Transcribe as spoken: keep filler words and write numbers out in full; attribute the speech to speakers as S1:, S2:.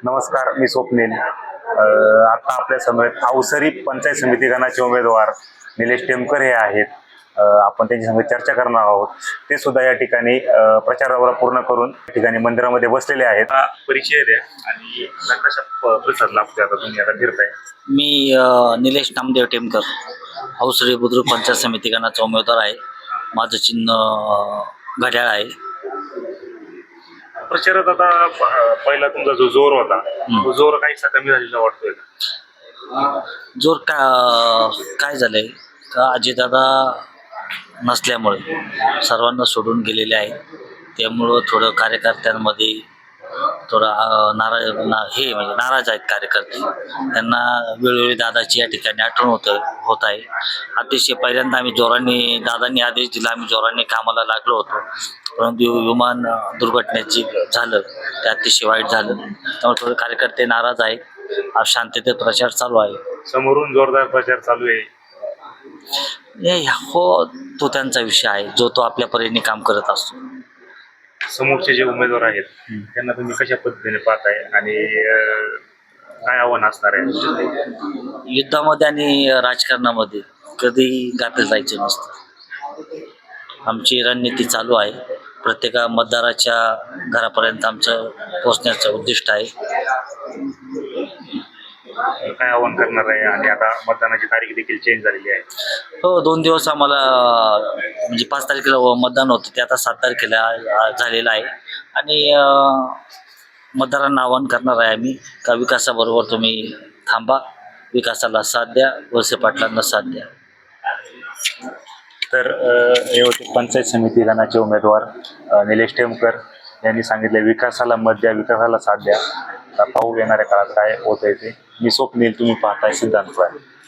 S1: नमस्कार, मी स्वप्नील. अ, आता आपल्या समोर अवसरी पंचायत समिती गणाचे उमेदवार निलेश टेमकर हे आहेत. अ, आपण त्यांच्या संग चर्चा करणार आहोत. ते सुद्धा या ठिकाणी अ, प्रचार दौरा पूर्ण करून या ठिकाणी मंदिरामध्ये बसलेले आहेत. हा परिचय द्या आणि कशा प्रतिसाद लाभते आता तुम्ही आता फिरताय.
S2: मी अ, निलेश नामदेव टेमकर, अवसरी बुद्रुक पंचायत समिती गणाचा उमेदवार आहे. माझं चिन्ह अ, घड्याळ आहे.
S1: प्रचारात आता अ, पहिला तुमचा जो जोर होता तो जोर काहीसा कमी झालेला वाटतोय का?
S2: जोर का काय झालंय का अजितदादा नसल्यामुळे सर्वांना सोडून गेलेले आहे. त्यामुळं थोडं कार्यकर्त्यांमध्ये थोडा अ, नाराज ना हे म्हणजे नाराज आहेत कार्यकर्ते. त्यांना वेळोवेळी दादाची या ठिकाणी आठवण होतं होत आहे. अतिशय पहिल्यांदा आम्ही जोराने दादांनी आदेश दिला, आम्ही जोराने कामाला लागलो होतो. परंतु विमान अ, दुर्घटनेची झालं ते अतिशय वाईट झालं. त्यामुळे थोडे कार्यकर्ते नाराज आहेत. आज शांततेत प्रचार चालू आहे.
S1: समोरून जोरदार प्रचार चालू आहे.
S2: हे हो, तो त्यांचा विषय आहे, जो तो आपल्या परीने काम करत असतो.
S1: समोरचे जे उमेदवार आहेत त्यांना तुम्ही कशा पद्धतीने पाहताय आणि अ, काय आव्हान असणार आहे?
S2: युद्धामध्ये आणि राजकारणामध्ये कधीही गाफील जायचं नसतं. आमची रणनीती चालू आहे. प्रत्येक मतदाराच्या घरापर्यंत आमचं पोचण्याचं उद्दिष्ट आहे.
S1: काय आव्हान करणार आहे आणि आता मतदानाची तारीख देखील चेंज झालेली आहे.
S2: हो, दोन दिवस आम्हाला म्हणजे पाच तारखेला मतदान होतं, ते आता सात तारखेला अ, झालेलं आहे. आणि अ, मतदारांना आवाहन करणार आहे आम्ही का विकासाबरोबर तुम्ही थांबा, विकासाला साथ द्या, वळसे पाटलांना साथ द्या.
S1: तर अ, हे होते पंचायत समिती गणाचे उमेदवार अ, निलेश टेमकर यांनी सांगितले विकासाला मत द्या, विकासाला साथ द्या. आता पाहू येणाऱ्या काळात काय होत आहे ते. मी स्वप्नील, तुम्ही पाहताय सिद्धांत.